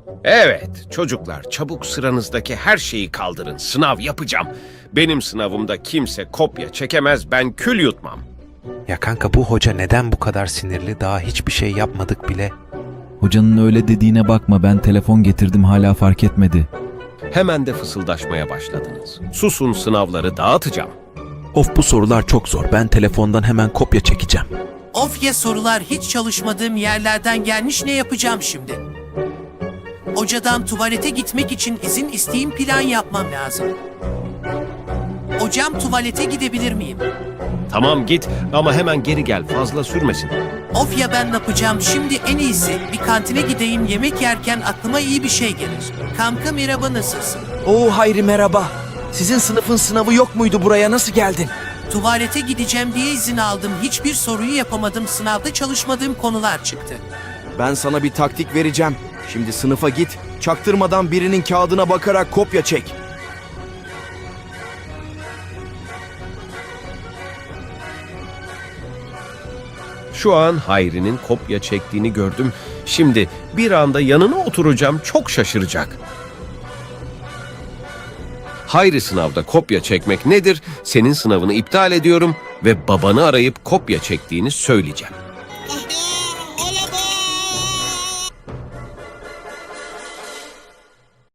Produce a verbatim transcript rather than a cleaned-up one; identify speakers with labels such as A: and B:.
A: Evet, çocuklar çabuk sıranızdaki her şeyi kaldırın. Sınav yapacağım. Benim sınavımda kimse kopya çekemez, ben kül yutmam.
B: Ya kanka bu hoca neden bu kadar sinirli? Daha hiçbir şey yapmadık bile.
C: Hocanın öyle dediğine bakma, ben telefon getirdim hala fark etmedi.
A: Hemen de fısıldaşmaya başladınız. Susun, sınavları dağıtacağım.
B: Of, bu sorular çok zor. Ben telefondan hemen kopya çekeceğim.
D: Of ya, sorular hiç çalışmadığım yerlerden gelmiş, ne yapacağım şimdi? Hocadan tuvalete gitmek için izin isteyeyim, plan yapmam lazım. Hocam, tuvalete gidebilir miyim?
A: Tamam git ama hemen geri gel, fazla sürmesin.
D: Of ya, ben ne yapacağım şimdi? En iyisi bir kantine gideyim, yemek yerken aklıma iyi bir şey gelir. Kanka merhaba, nasılsın?
E: Oo Hayri merhaba. Sizin sınıfın sınavı yok muydu, buraya nasıl geldin?
D: Tuvalete gideceğim diye izin aldım. Hiçbir soruyu yapamadım. Sınavda çalışmadığım konular çıktı.
E: Ben sana bir taktik vereceğim. Şimdi sınıfa git, çaktırmadan birinin kağıdına bakarak kopya çek.
A: Şu an Hayri'nin kopya çektiğini gördüm. Şimdi bir anda yanına oturacağım, çok şaşıracak. Hayri, sınavda kopya çekmek nedir? Senin sınavını iptal ediyorum ve babanı arayıp kopya çektiğini söyleyeceğim.